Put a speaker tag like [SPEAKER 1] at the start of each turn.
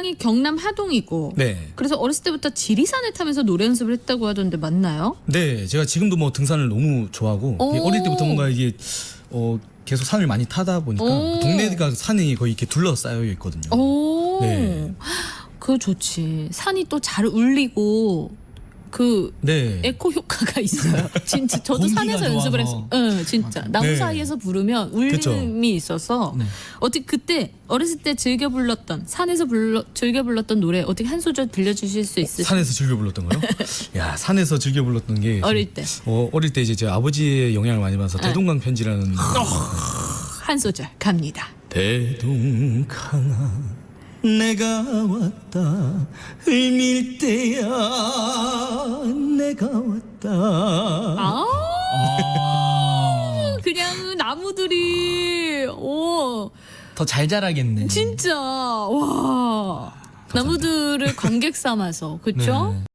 [SPEAKER 1] 고향이 경남 하동이고
[SPEAKER 2] 네.
[SPEAKER 1] 그래서 어렸을 때부터 지리산을 타면서 노래 연습을 했다고 하던데 맞나요?
[SPEAKER 2] 네, 제가 지금도 뭐 등산을 너무 좋아하고
[SPEAKER 1] 오.
[SPEAKER 2] 어릴 때부터 뭔가 이게 계속 산을 많이 타다 보니까
[SPEAKER 1] 오.
[SPEAKER 2] 동네가 산이 거의 이렇게 둘러싸여 있거든요.
[SPEAKER 1] 오,
[SPEAKER 2] 네.
[SPEAKER 1] 그거 좋지. 산이 또 잘 울리고 그
[SPEAKER 2] 네.
[SPEAKER 1] 에코 효과가 있어요. 진짜 저도
[SPEAKER 3] 공기가
[SPEAKER 1] 산에서 연습을
[SPEAKER 3] 좋아서.
[SPEAKER 1] 했어요. 응, 진짜 나무
[SPEAKER 2] 네.
[SPEAKER 1] 사이에서 부르면 울림이
[SPEAKER 2] 그쵸.
[SPEAKER 1] 있어서
[SPEAKER 2] 네.
[SPEAKER 1] 어떻게 그때 어렸을 때 즐겨 불렀던 산에서 즐겨 불렀던 노래 어떻게 한 소절 들려주실 수 있으세요?
[SPEAKER 2] 산에서 즐겨 불렀던 거요? 야, 산에서 즐겨 불렀던 게
[SPEAKER 1] 어릴 때.
[SPEAKER 2] 어릴 때 이제 제 아버지의 영향을 많이 받아서 대동강 편지라는
[SPEAKER 1] 한 소절 갑니다.
[SPEAKER 2] 대동강아 내가 왔다 을밀대야 내가 왔다.
[SPEAKER 1] 아,
[SPEAKER 3] 아,
[SPEAKER 1] 그냥 나무들이 오
[SPEAKER 3] 더 잘 자라겠네.
[SPEAKER 1] 진짜 와 나무들을 관객 삼아서 그쵸?
[SPEAKER 3] 네.